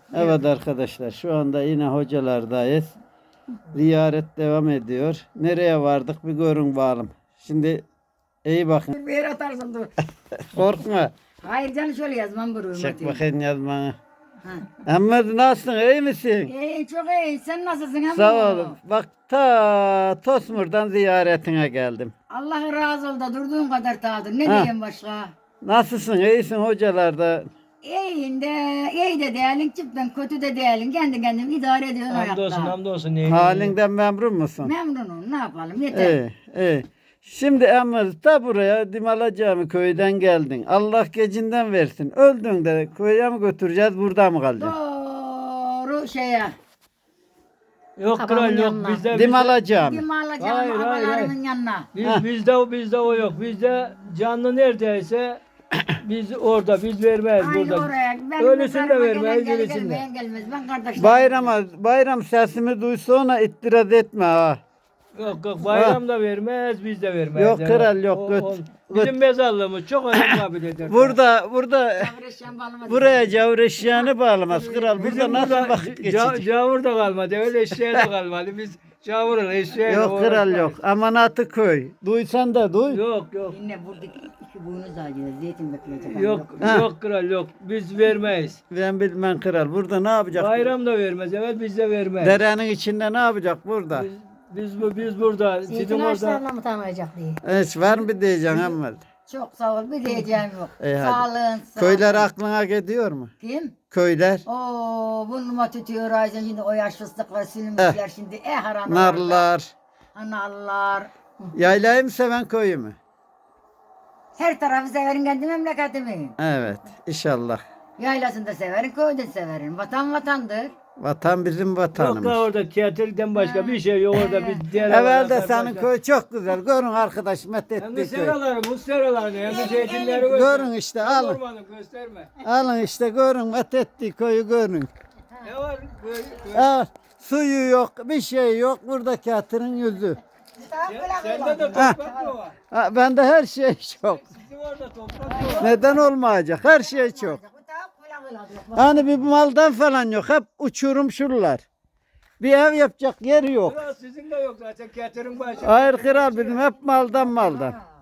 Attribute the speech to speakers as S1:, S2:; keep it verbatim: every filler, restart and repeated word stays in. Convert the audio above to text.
S1: Evet arkadaşlar, şu anda yine hocalardayız. Ziyaret devam ediyor. Nereye vardık bir görün bakalım. Şimdi iyi bakın.
S2: Bir yere atarsın dur.
S1: Korkma.
S2: Hayır canım şöyle yazmam bu
S1: Çek
S2: hürmeti.
S1: bakayım yazmanı.
S2: Ha.
S1: Ahmet nasılsın? İyi misin?
S2: İyi çok iyi. Sen nasılsın ama?
S1: Sağ ol. Bak ta Tosmur'dan ziyaretine geldim.
S2: Allah razı ol da durduğun kadar tadır. Ne
S1: Ha.
S2: diyeyim başka?
S1: Nasılsın? İyisin hocalarda.
S2: İyiyim de, iyi de değerlin, cidden kötü de değerlin. Kendi kendine idare ediyorsun
S3: Hamdolsun
S2: hayatta.
S3: hamdolsun. Neyin
S1: Halinden memnun musun?
S2: Memnunum. Ne yapalım? Yeter.
S1: İyi, iyi. Şimdi Ahmet da buraya Dimala Cami köyden geldin. Allah gecinden versin. Öldün de köye mi götüreceğiz, burada mı kalacaksın?
S2: Doğru şeye.
S3: Yok
S2: Babamın
S3: kral yok
S2: yanına.
S3: bizde.
S1: Dimala Cami.
S2: Kim alacağım
S3: Hayır, hayır,
S2: babalarımın
S3: hayır.
S2: yanına.
S3: Biz,
S1: Heh.
S3: bizde bizde o yok. Bizde canlı neredeyse biz orada biz vermeyiz
S2: Aynı
S3: burada.
S2: oraya. Ben
S3: Öylesini de
S2: karıma
S3: vermeyiz,
S2: gelen gelir,
S3: öylesini de.
S2: gelmeyen gelmez. Ben kardeşlerim.
S1: Bayrama, bayram sesimi duysa ona itiraz etme ha.
S3: Yok yok bayram da vermez biz de vermeyiz.
S1: Yok, kral, yok,
S3: O-
S1: göt-
S3: o-
S1: göt.
S3: Bizim mezarlığımız çok önemli kabul eder.
S1: Burada, burada
S2: Çavreşen balımız.
S1: buraya cavur eşyanı bağlamaz kral. Burada
S3: Bizim
S1: nasıl
S3: burada
S1: vakit
S3: ca-
S1: geçecek?
S3: cavur da kalmadı. Öyle eşeğe de kalmadı. Biz cavurun eşeğe
S1: Yok kral yok. Amanatı köy. Duysan da duy.
S3: Yok yok.
S2: Yine buradaki iki boynuz ağacıyla zeytin bekleyecek.
S3: Yok
S1: Ha.
S3: yok kral yok. Biz vermeyiz.
S1: Ben bilmem kral. Burada ne yapacak?
S3: Bayram da vermez. Evet biz de vermeyiz.
S1: Derenin içinde ne yapacak burada?
S3: Biz, biz bu biz burada. Sizin
S2: Zeytin
S3: orada.
S2: ağaçlarına mı tanıyacak diye.
S1: Hiç var mı diyeceksin Ahmet?
S2: Çok sağ ol. Bir diyeceğim yok.
S1: İyi, hadi.
S2: Sağlığın sağ
S1: Köyler aklına gidiyor mu?
S2: Kim?
S1: Köyler.
S2: Oo, burnuma tütüyor Ayşe şimdi o yaş fıstıklar silmişler şimdi. Eh haram.
S1: Narlar.
S2: Anallar.
S1: Yaylayı mı seven köyü mü?
S2: Her tarafı severim kendi memleketimi.
S1: Evet. İnşallah.
S2: Yaylasını da severim, köyü de severim. Vatan vatandır.
S1: Vatan bizim
S3: Yok
S1: vatanımız.
S3: da orada tiyatrodan başka bir şey yok orada biz diğer
S1: Evvel de
S3: havalardan
S1: senin
S3: başka-
S1: köy çok güzel. Görün arkadaş
S3: Hem de
S1: methettiği köy.
S3: seraları, musteralarını, hem de zeytinleri göster.
S1: Görün işte
S3: Hem
S1: alın.
S3: ormanı gösterme.
S1: Alın işte görün methettiği köyü görün.
S3: Ne var? Böyle, böyle.
S1: Ha, suyu yok, bir şey yok. Buradaki hatırın yüzü.
S3: Sen- Sende de toprak mı var?
S1: Ha, bende her şey çok.
S3: Sizin orada toprak mı var?
S1: Neden olmayacak? Her şey çok. Hani bir maldan falan yok. Hep uçurum şuralar. Bir ev yapacak yeri yok.
S3: Kral sizin de yok zaten. Tiyatrın başı.
S1: Hayır kral bizim hep maldan maldan.